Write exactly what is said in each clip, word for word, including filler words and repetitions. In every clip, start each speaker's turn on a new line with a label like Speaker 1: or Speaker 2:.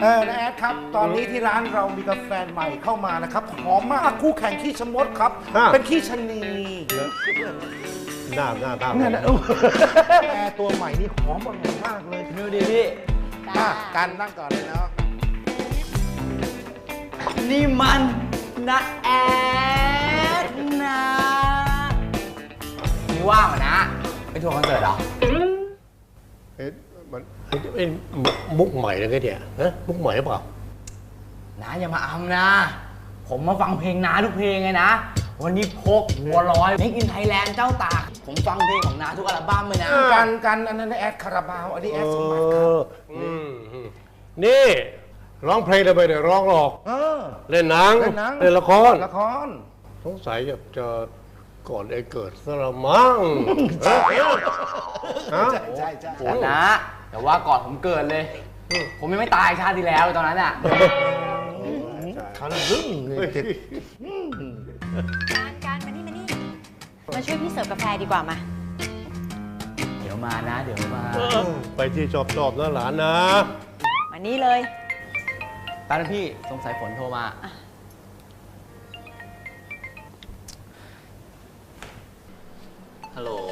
Speaker 1: เออนะแอดครับตอนนี้ที่ร้านเรามีกาแฟใหม่เข้ามานะครับหอมมากคู่แข่งขี้ชะมดครับเป็นขี้ชะนี
Speaker 2: หน้าหน้าตา
Speaker 1: เนี่ยนะแอร์ตัวใหม่นี่หอมอร่อยมากเลย
Speaker 3: ดูดิพี่
Speaker 1: การนั่งก่อนเลยเนาะ
Speaker 3: นี่มันนะแอดนะนี่ว่างเหรอนะไปทัวร์คอนเสิร์ตเหรอ
Speaker 2: เอ๊ะมันเอ๊ะมุกใหม่เลยไงเนี่ยฮะมุกใหม่หรือเปล่า
Speaker 3: น้าอย่ามาอำนะ ผมมาฟังเพลงน้าทุกเพลงไงนะวันนี้พกบัวลอยเมคอินไทยแลนด์เจ้าตากผมฟังเพลงของน้าทุกอัลบั้มเลยนะ
Speaker 1: กันกันอันนั้นแอดคาราบาวอันนี้แอดสมบัติครับ
Speaker 2: นี่ร้องเพลงได้ไปเดี๋ยวร้องหรอกเล่นหนังเล่นละคร
Speaker 1: ละคร
Speaker 2: สงสัยจะจะก่อนไอ้เกิดซะละมั้ง
Speaker 1: ใช่ใช่ใช่
Speaker 3: นะแต่ว่าก่อนผมเกิดเลยผมยังไม่ตายชาติที่แล้วตอนนั้นอ่ะ
Speaker 1: คันรึ้งเลย
Speaker 4: การการมานี่มานี่มาช่วยพี่เสิร์ฟกาแฟดีกว่ามา
Speaker 3: เดี๋ยวมานะเดี๋ยวมา
Speaker 2: ไปที่ชอบชอบนะหลานนะ
Speaker 4: มานี่เลย
Speaker 3: ตอนนั้นพี่สงสัยฝนโทรมาฮัลโหล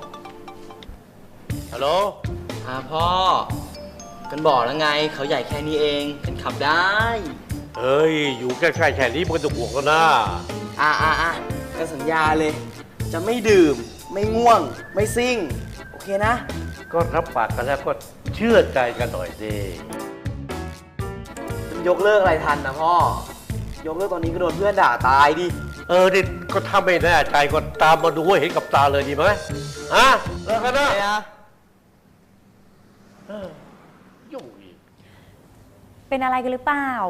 Speaker 2: ฮัลโหล
Speaker 3: อ่าพ่อกันบอกแล้วไงเขาใหญ่แค่นี้เองกันขับได้
Speaker 2: เฮ้ยอยู่ใกล้ๆแค่นี้มันก็ต้องห่วงกันนะ
Speaker 3: อ่าอ่าอ่ากันสัญญาเลยจะไม่ดื่มไม่ง่วงไม่ซิ่งโอเคนะ
Speaker 2: ก็รับปากกันแล้วก็เชื่อใจกันหน่อยสิ
Speaker 3: ยกเลิกอะไรทันนะพ่อยกเลิกตอนนี้ก็โดนเพื่อนด่าตายดิ
Speaker 2: เออนี่ก็ถ้าไม่แน่ใจก็ตามมาดูให้เห็นกับตาเลยดีไหมฮะเลิกกันนะยุ่งอีก
Speaker 4: เป็นอะไรกันหรือเปล่า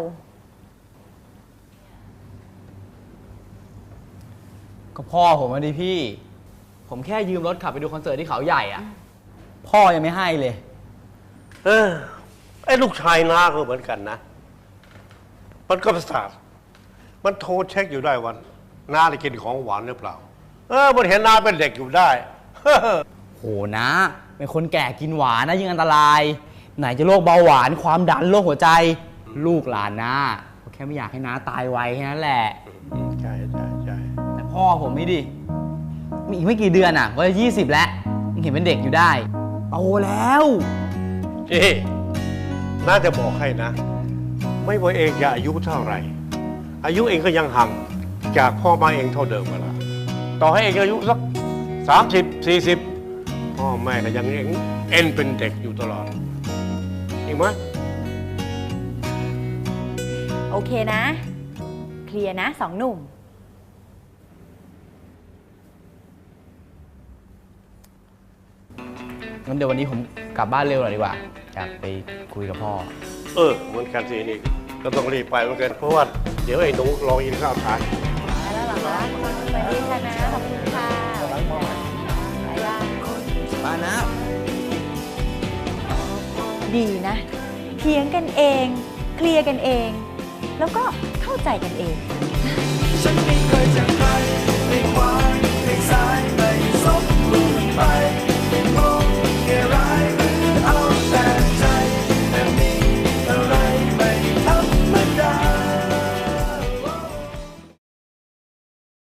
Speaker 3: ก็พ่อผมมาดิพี่ผมแค่ยืมรถขับไปดูคอนเสิร์ตที่เขาใหญ่อ่ะพ่อยังไม่ให้เลย
Speaker 2: เออไอ้ลูกชายน้าก็เหมือนกันนะมันก็ประสาทมันโทรเช็คอยู่ได้วันน้าได้กินของหวานหรือเปล่าเออมันเห็นน้าเป็นเด็กอยู่ได้
Speaker 3: โหนะเป็นคนแก่กินหวานนะยิ่งอันตรายไหนจะโรคเบาหวานความดันโรคหัวใจลูกหลานนะแค่ไม่อยากให้น้าตายไวแค่นั้นแหละ
Speaker 2: ใช่ใช่ใช่
Speaker 3: แต่พ่อผมไม่ดิมีอีกไม่กี่เดือนอ่ะก็จะยี่สิบแล้วยังเห็นเป็นเด็กอยู่ได้โตแล้ว
Speaker 2: เอ๊น่าจะบอกให้นะไม่ว่าเองจะอายุเท่าไหร่อายุเองก็ยังห่างจากพ่อมาเองเท่าเดิมมาละต่อให้เองอายุสักสามสิบสี่สิบพ่อแม่ก็ยังเองเอ็นเป็นเด็กอยู่ตลอดจริงไหม
Speaker 4: โอเคนะเคลียร์นะสองหนุ่ม
Speaker 3: งั้นเดี๋ยววันนี้ผมกลับบ้านเร็วหน่อยดีกว่าอยากไปคุยกับพ่อ
Speaker 2: เออเหมือนกันสินี่ก็ต้องรีบไปเหมือนกันเพราะว่าเดี๋ยวไอ้หนูรอกินข้าวทาน
Speaker 4: มาแล้วเหรอคะสวัสดีค่ะนะขอบคุณค่ะบ๊ายบาย
Speaker 3: มานะ
Speaker 4: ดีนะเถียงกันเองเคลียร์กันเองแล้วก็เข้าใจกันเองฉันไม่เคยจะ